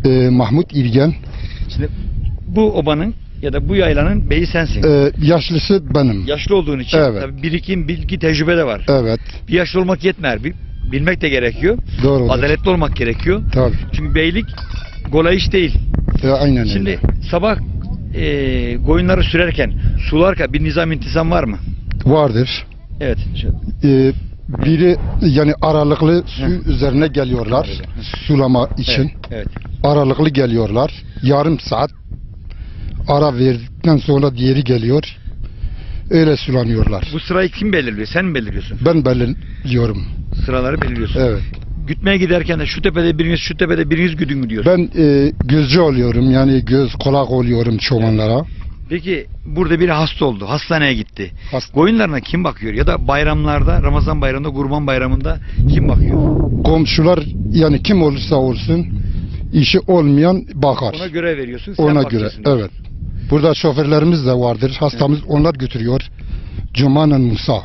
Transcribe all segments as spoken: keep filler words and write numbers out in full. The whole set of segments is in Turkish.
Ee, Mahmut İlgen. Şimdi bu obanın ya da bu yaylanın beyi sensin. Ee, yaşlısı benim. Yaşlı olduğun için Evet. tabii birikim, bilgi, tecrübe de var. Evet. Bir yaşlı olmak yetmer. Bir, bilmek de gerekiyor. Doğru. Adaletli olmak gerekiyor. Tabii. Çünkü beylik kolay iş değil. E, aynen Şimdi öyle. sabah e, koyunları sürerken, sularken bir nizam intizam var mı? Vardır. Evet. Şu- Ee, biri yani aralıklı su Hı. üzerine geliyorlar. Sulama için. Evet, evet. Aralıklı geliyorlar. Yarım saat ara verdikten sonra diğeri geliyor. Öyle sulanıyorlar. Bu sırayı kim belirliyor? Sen mi belirliyorsun? Ben belirliyorum. Sıraları belirliyorsun. Evet. Gütmeye giderken de şu tepede biriniz, şu tepede biriniz güdün mü diyorsun? Ben e, gözcü oluyorum. Yani göz kulak oluyorum çobanlara. Peki burada biri hasta oldu. Hastaneye gitti. Hasta- Koyunlarına kim bakıyor? Ya da bayramlarda, Ramazan bayramında, Kurban bayramında kim bakıyor? Komşular yani kim olursa olsun işi olmayan bakar. Ona göre veriyorsun. Sen Ona göre. bakacaksın diyorsun. Evet. Burada şoförlerimiz de vardır. Hastamız onlar götürüyor. Cumanın Musa.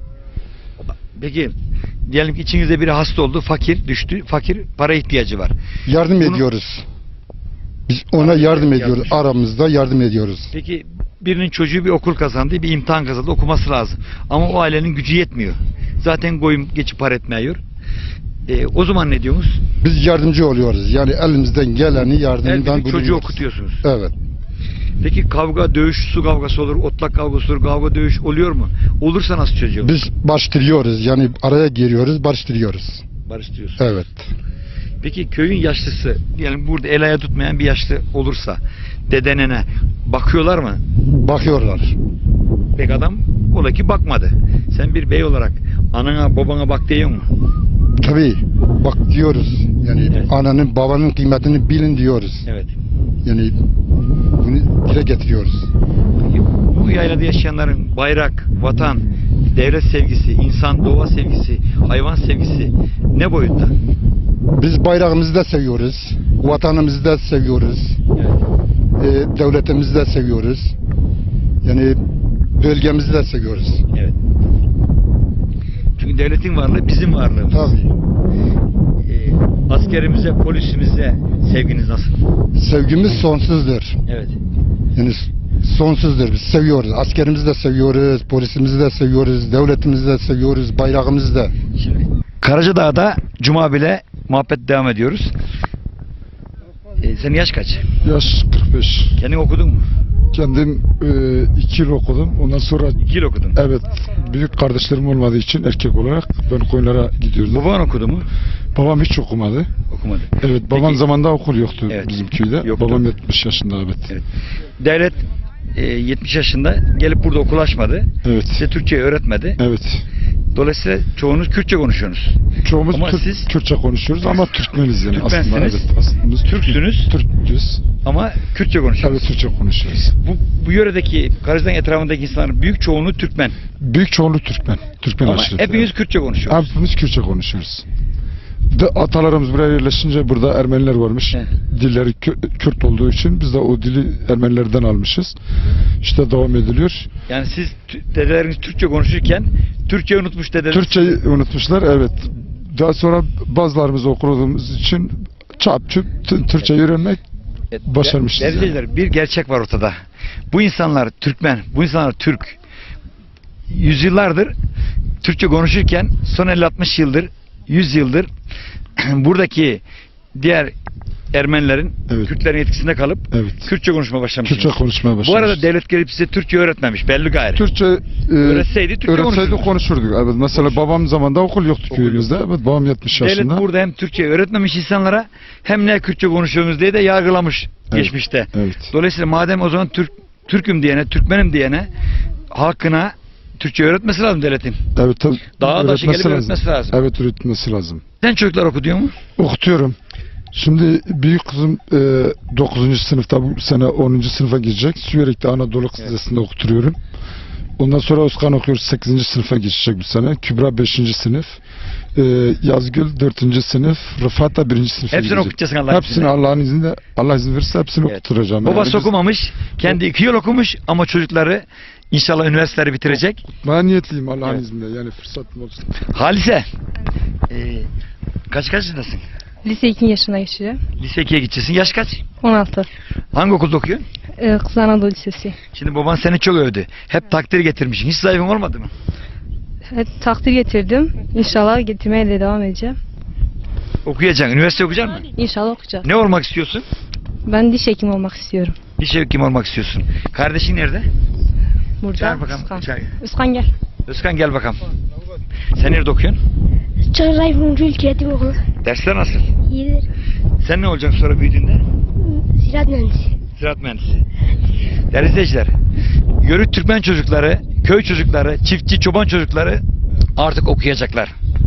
Peki diyelim ki içinizde biri hasta oldu, fakir düştü, fakir para ihtiyacı var. Yardım Bunu- ediyoruz. Biz ona Yardım- yardım yardım- ediyoruz. Aramızda yardım ediyoruz. Peki birinin çocuğu bir okul kazandı, bir imtihan kazandı, okuması lazım. Ama o ailenin gücü yetmiyor. Zaten koyun geçip para etmiyor. E, o zaman ne diyorsunuz? Biz yardımcı oluyoruz. Yani elimizden geleni Her yardımdan bir çocuğu bulunuyoruz. okutuyorsunuz. Evet. Peki kavga, dövüş, su kavgası olur, otlak kavgası olur, kavga, dövüş oluyor mu? Olursa nasıl çocuğu? Biz başlıyoruz. Yani araya giriyoruz, başlıyoruz. Barıştırıyorsun. Evet. Peki köyün yaşlısı, diyelim burada el ayağı tutmayan bir yaşlı olursa, dedenene bakıyorlar mı? Bakıyorlar. Pek adam ola ki bakmadı. Sen bir bey olarak anana babana bak diyor mu? Tabii. Bak diyoruz. Yani Evet. ananın babanın kıymetini bilin diyoruz. Evet. Yani bunu dile getiriyoruz. Bu yaylada yaşayanların bayrak, vatan, devlet sevgisi, insan, doğa sevgisi, hayvan sevgisi ne boyutta? Biz bayrağımızı da seviyoruz. Vatanımızı da seviyoruz. Evet. E, devletimizi de seviyoruz. Yani bölgemizi de seviyoruz. Evet. Çünkü devletin varlığı bizim varlığımız. Tabii. Ee, askerimize, polisimize sevginiz nasıl? Sevgimiz sonsuzdur. Evet. Yani sonsuzdur. Biz seviyoruz. Askerimizi de seviyoruz, polisimizi de seviyoruz, devletimizi de seviyoruz, bayrağımızı da. Şimdi Karacadağ'da Cuma bile muhabbet devam ediyoruz. Ee, senin yaş kaç? Yaş kırk beş. Kendin okudun mu? Kendim e, iki yıl okudum. Ondan sonra İki yıl okudun. evet büyük kardeşlerim olmadığı için erkek olarak ben koyunlara gidiyordum. Baban okudu mu? Babam hiç okumadı. Okumadı. Evet babam Peki- zamanında okul yoktu Evet. bizim köyde. Yoktu. Babam yetmiş yaşında evet. Evet. Devlet e, yetmiş yaşında gelip burada okul açmadı. Evet. Size Türkçe öğretmedi. Evet. Dolayısıyla çoğunuz Kürtçe konuşuyorsunuz. Çoğumuz Ama Türk, siz- Kürtçe konuşuyoruz ama Türkmeniz yani aslında. Türkmensiniz, Evet, aslında biz Türksünüz. Türk'üz. Ama Kürtçe konuşuyorsunuz. Evet Türkçe konuşuyoruz. Bu, bu yöredeki, Karacadağ etrafındaki insanların büyük çoğunluğu Türkmen. Büyük çoğunluğu Türkmen. Türkmen Ama aşırı. hepiniz Kürtçe konuşuyorsunuz. Hepimiz Kürtçe konuşuyoruz. De atalarımız buraya yerleşince burada Ermeniler varmış. Evet. Dilleri Kü- Kürt olduğu için biz de o dili Ermenilerden almışız. İşte devam ediliyor. Yani siz tü- dedeleriniz Türkçe konuşurken Türkçe unutmuş dedeleriniz. Türkçeyi unutmuşlar evet. Daha sonra bazılarımız okuduğumuz için çap çüp t- Türkçeyi öğrenmek Evet, başarmışız değerli yani. izleyiciler, bir gerçek var ortada. Bu insanlar Türkmen, bu insanlar Türk. Yüzyıllardır Türkçe konuşurken son elli altmış yıldır, yüz yıldır buradaki diğer Ermenilerin, Evet. Kürtlerin etkisinde kalıp Evet. Kürtçe konuşmaya başlamışsınız. Türkçe konuşmaya başlamışız. Bu arada devlet gelip size Türkçe öğretmemiş, belli gayrı. Türkçe e, Öğretseydi Türkçe öğretseydi konuşurduk. konuşurduk. Evet mesela babam zamanında okul yoktu Okul köyümüzde. Evet babam yetmiş Devlet yaşında. burada hem Türkçe öğretmemiş insanlara hem ne Kürtçe konuşuyorsunuz diye de yargılamış Evet. geçmişte. Evet. Dolayısıyla madem o zaman Türk Türk'üm diyene, Türkmenim diyene halkına Türkçe öğretmesi lazım devletin. Evet tabii. Dağa taşı gelip öğretmesi lazım. Evet öğretmesi lazım. Sen çocuklar okutuyor mu? Okutuyorum. Şimdi büyük kızım e, dokuzuncu sınıfta bu sene onuncu sınıfa girecek. Süverek'te Anadolu Kız Evet. Lisesi'nde okutuyorum. Ondan sonra Özkan okuyoruz sekizinci sınıfa geçecek bu sene. Kübra beşinci sınıf. E, Yazgül dördüncü sınıf. Rıfat da birinci sınıfa Hepsini gidecek. okutacaksın Allah'ın Hepsini izniyle. Allah'ın izniyle, Allah izin verirse hepsini Evet. okutturacağım. Babası Yani biz- okumamış, kendi iki yıl okumuş ama çocukları inşallah üniversiteleri bitirecek. Ben niyetliyim Allah'ın Evet. izniyle yani fırsatım olsun. Halise, e, kaç kaç yaşındasın? Lise iki yaşına geçeceğim. Lise ikiye gideceksin. Yaş kaç? on altı. Hangi okulda okuyorsun? Ee, Kız Anadolu Lisesi. Şimdi baban seni çok övdü. Hep takdir getirmişsin. Hiç zayıfın olmadı mı? Evet, takdir getirdim. İnşallah getirmeye de devam edeceğim. Okuyacaksın. Üniversite okuyacaksın mı? İnşallah okuyacağım. Ne olmak istiyorsun? Ben diş hekimi olmak istiyorum. Diş hekimi olmak istiyorsun. Kardeşin nerede? Burada. Çağır bakalım. Özkan. Çağır. Özkan gel. Özkan gel bakalım. Sen nerede okuyorsun? Çağrı Rumcu İlköğretim Okulu. Dersler nasıl? İyidir. Sen ne olacaksın sonra büyüdüğünde? Ziraat mühendisi. Ziraat mühendisi. Değerli izleyiciler, Yörük Türkmen çocukları, köy çocukları, çiftçi, çoban çocukları artık okuyacaklar.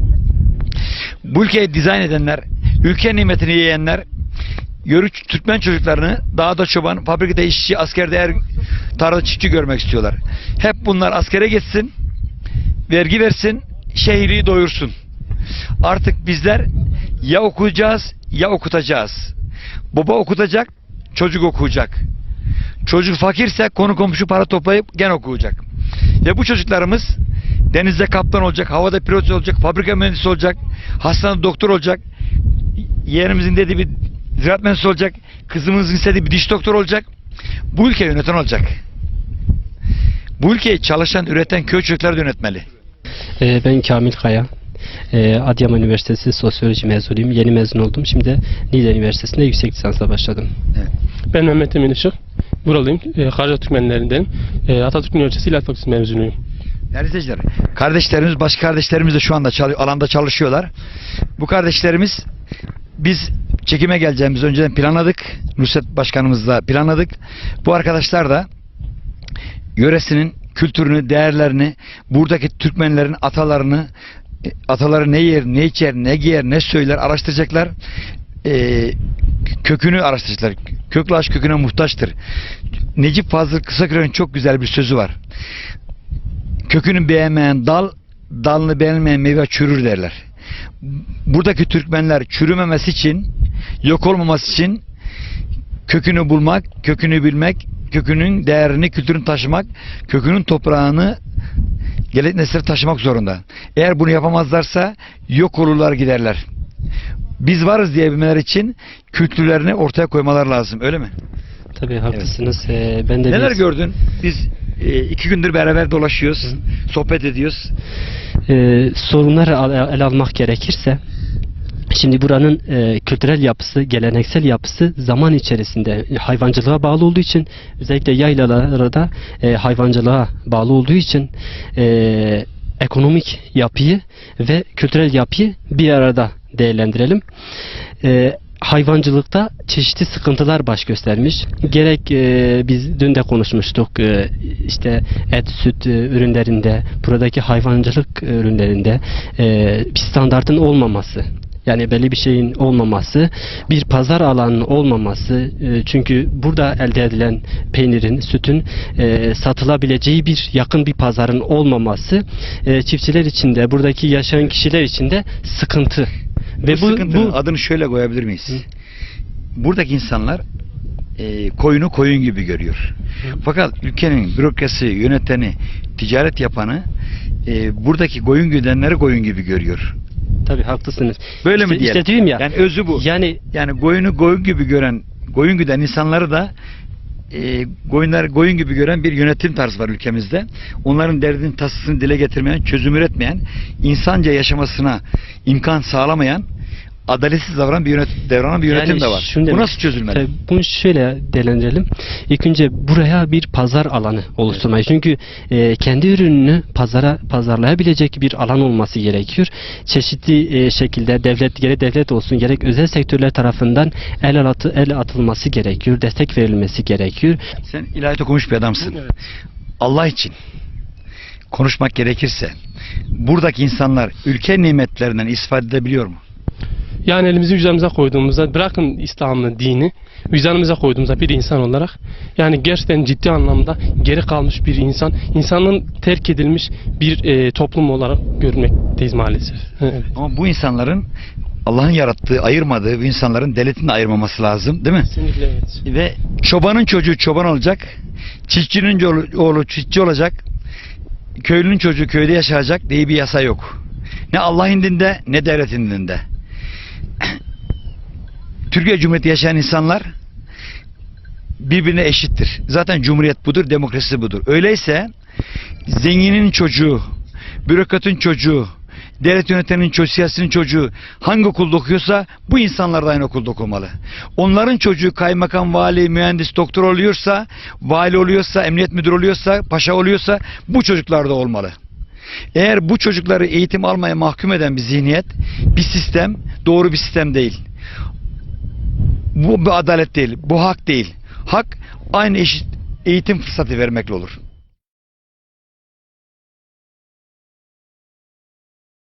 Bu ülkeyi dizayn edenler, ülke nimetini yiyenler, Yörük Türkmen çocuklarını dağda çoban, fabrikada işçi, askerde er, tarlada çiftçi görmek istiyorlar. Hep bunlar askere gitsin, vergi versin, şehri doyursun. Artık bizler ya okuyacağız ya okutacağız. Baba okutacak, çocuk okuyacak. Çocuk fakirse konu komşu para toplayıp gene okuyacak. Ve bu çocuklarımız denizde kaptan olacak, havada pilot olacak, fabrika mühendisi olacak, hastanede doktor olacak, yeğenimizin dediği bir ziraat mühendisi olacak, kızımızın istediği bir diş doktor olacak. Bu ülkeyi yöneten olacak. Bu ülkeyi çalışan, üreten köy çocukları yönetmeli. Ee, Ben Kamil Kaya. Ee, Adıyaman Üniversitesi Sosyoloji mezunuyum. Yeni mezun oldum. Şimdi de Niğde Üniversitesi'nde yüksek lisansla başladım. Ben Mehmet Emin Işık. Buralıyım. E, Karca Türkmenlerindenim. E, Atatürk Üniversitesi İlahi Fakültesi mezunuyum. Değerli izleyiciler, kardeşlerimiz, başka kardeşlerimiz de şu anda çalı- alanda çalışıyorlar. Bu kardeşlerimiz, biz çekime geleceğimiz önceden planladık. Nusret Başkanımızla planladık. Bu arkadaşlar da yöresinin kültürünü, değerlerini, buradaki Türkmenlerin atalarını, e, ataları ne yer, ne içer, ne giyer, ne söyler araştıracaklar. Ee, kökünü araştıracaklar. Köklü aşk köküne muhtaçtır. Necip Fazıl Kısakürek'in çok güzel bir sözü var. Kökünü beğenmeyen dal, dalını beğenmeyen meyve çürür derler. Buradaki Türkmenler çürümemesi için, yok olmaması için kökünü bulmak, kökünü bilmek, kökünün değerini, kültürünü taşımak, kökünün toprağını gelecek nesillere taşımak zorunda. Eğer bunu yapamazlarsa yok olurlar, giderler. Biz varız diyebilmeler için kültürlerini ortaya koymalar lazım, öyle mi? Tabii haklısınız. Ee, ben de Neler bir- gördün? Biz e, iki gündür beraber dolaşıyoruz, sohbet ediyoruz. Ee, sorunları al- ele almak gerekirse, şimdi buranın e, kültürel yapısı, geleneksel yapısı zaman içerisinde hayvancılığa bağlı olduğu için, özellikle yaylalarda e, hayvancılığa bağlı olduğu için e, ekonomik yapıyı ve kültürel yapıyı bir arada değerlendirelim. E, hayvancılıkta çeşitli sıkıntılar baş göstermiş. Gerek e, biz dün de konuşmuştuk, e, işte et, süt e, ürünlerinde, buradaki hayvancılık ürünlerinde e, bir standartın olmaması. Yani belli bir şeyin olmaması, bir pazar alanının olmaması, e, çünkü burada elde edilen peynirin, sütün e, satılabileceği bir yakın bir pazarın olmaması e, çiftçiler için de, buradaki yaşayan kişiler için de sıkıntı. Ve Ve bu, bu, sıkıntının bu adını şöyle koyabilir miyiz? Buradaki insanlar e, koyunu koyun gibi görüyor. Fakat ülkenin bürokrasi, yöneteni, ticaret yapanı e, buradaki koyun güdenleri koyun gibi görüyor. tabii haklısınız. Böyle İşte- mi diyelim? İşte diyorum ya. Yani özü bu. Yani Yani koyunu koyun gibi gören, koyun güden insanları da e, koyunlar koyun gibi gören bir yönetim tarzı var ülkemizde. Onların derdini, tasasını dile getirmeyen, çözüm üretmeyen, insanca yaşamasına imkan sağlamayan, adaletsiz davranan bir yönet davranan bir yönetim Yani de var. şunu Bu demek- nasıl çözülmeli? Tabii bunu şöyle değerlendirelim. İlk önce buraya bir pazar alanı oluşturmayı. Çünkü e, kendi ürününü pazara pazarlayabilecek bir alan olması gerekiyor. Çeşitli e, şekilde devlet, gerek devlet olsun gerek özel sektörler tarafından el atı, el atılması gerekiyor. Destek verilmesi gerekiyor. Sen ilahiyat okumuş bir adamsın. Evet. Allah için konuşmak gerekirse buradaki insanlar ülke nimetlerinden istifade edebiliyor mu? Yani elimizi vicdanımıza koyduğumuzda, bırakın İslam'ı, dini, vicdanımıza koyduğumuzda bir insan olarak, yani gerçekten ciddi anlamda geri kalmış bir insan, insanın terk edilmiş bir e, toplum olarak görmekteyiz maalesef. Evet. Ama bu insanların Allah'ın yarattığı, ayırmadığı bu insanların devletin de ayırmaması lazım, değil mi? Kesinlikle evet. Ve çobanın çocuğu çoban olacak, çiftçinin oğlu, oğlu çiftçi olacak, köylünün çocuğu köyde yaşayacak diye bir yasa yok. Ne Allah'ın dinde ne devletin dinde. Türkiye Cumhuriyeti yaşayan insanlar birbirine eşittir. Zaten Cumhuriyet budur, demokrasi budur. Öyleyse zenginin çocuğu, bürokratın çocuğu, devlet yönetenin çocuğu, siyasetinin çocuğu hangi okulda okuyorsa bu insanlar da aynı okulda okumalı. Onların çocuğu kaymakam, vali, mühendis, doktor oluyorsa, vali oluyorsa, emniyet müdürü oluyorsa, paşa oluyorsa bu çocuklar da olmalı. Eğer bu çocukları eğitim almaya mahkum eden bir zihniyet, bir sistem, doğru bir sistem değil. Bu bir adalet değil, bu hak değil. Hak aynı eşit eğitim fırsatı vermekle olur.